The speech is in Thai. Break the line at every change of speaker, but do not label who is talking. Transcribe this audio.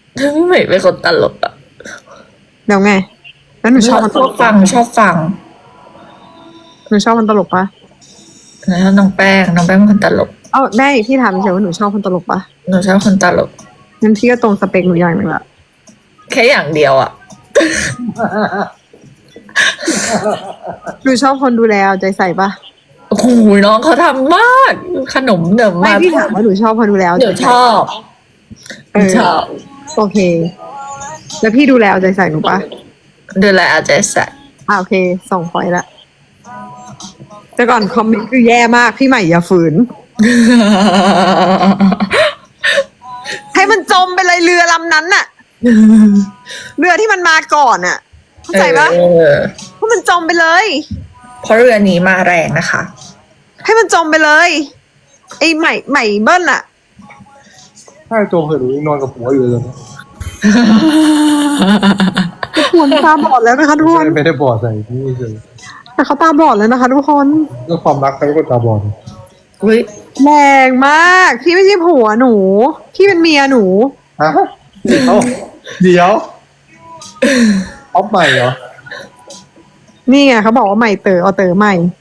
พี่ใหม่เป็นคนตลกอ่ะ
เดี๋ยวไงแล้วหนูชอบมัน
ชอบฟังชอบฟัง
หนูชอบมันตลกปะ
แล้วน้องแป้งเป็นคนตลก
เอ้าได้พี่ถามเฉยว่าหนูชอบคนตลกปะ
หนูชอบคนตลก
งั้นพี่ก็ตรงสเปคหนูอย่างหนึ่งละ
แค่อย่างเดียวอ่ะ
หนูชอบคนดูแลเอาใจใส่ปะ
โอ้โหน้องเขาทำมาก ขนมเดิม
ไม่
มา
พี่ถามว่าหนูชอบคนดูแลเอาใจ
เดี๋ยวช
ใส่
อบ
เออ
ชอบ
โอเค แล้วพี่ดูแลเอาใจใส่หนูปะ
ดูแลเอาใจใส่
โอเคส่งพอยต์ละแต่ก่อนคอมเมนต์คือแย่มากพี่ใหม่อย่าฝืน ให้มันจมไปเลยเรือลำนั้นน่ะ เรือที่มันมาก่อนน่ะเข้าใจปะ
เออ
ให้มันจมไปเลย
เพราะเรือนี้มาแรงนะคะ
ให้มันจมไปเลยไอ้ใหม่เบิ้ลอะ
ถ้าโจมเถอะหนูยังนอนกับผัวอยู่เลย
ทุกคนตาบอดแล้วนะคะทุกคน
ไม่ได้บอดใส่ที่นี่เลย
แต่เขาตาบอดแล้วนะคะทุกคน
เรื่องความรักใครก็ตาบอด
อุ้ย
แรงมากพี่ไม่ใช่ผัวหนูพี่เป็นเมียหนู
ฮะเดี๋ยวออฟใหม่เหรอ
นี่ไงเขาบอกว่าใหม่เต๋อเอาเต๋อใหม่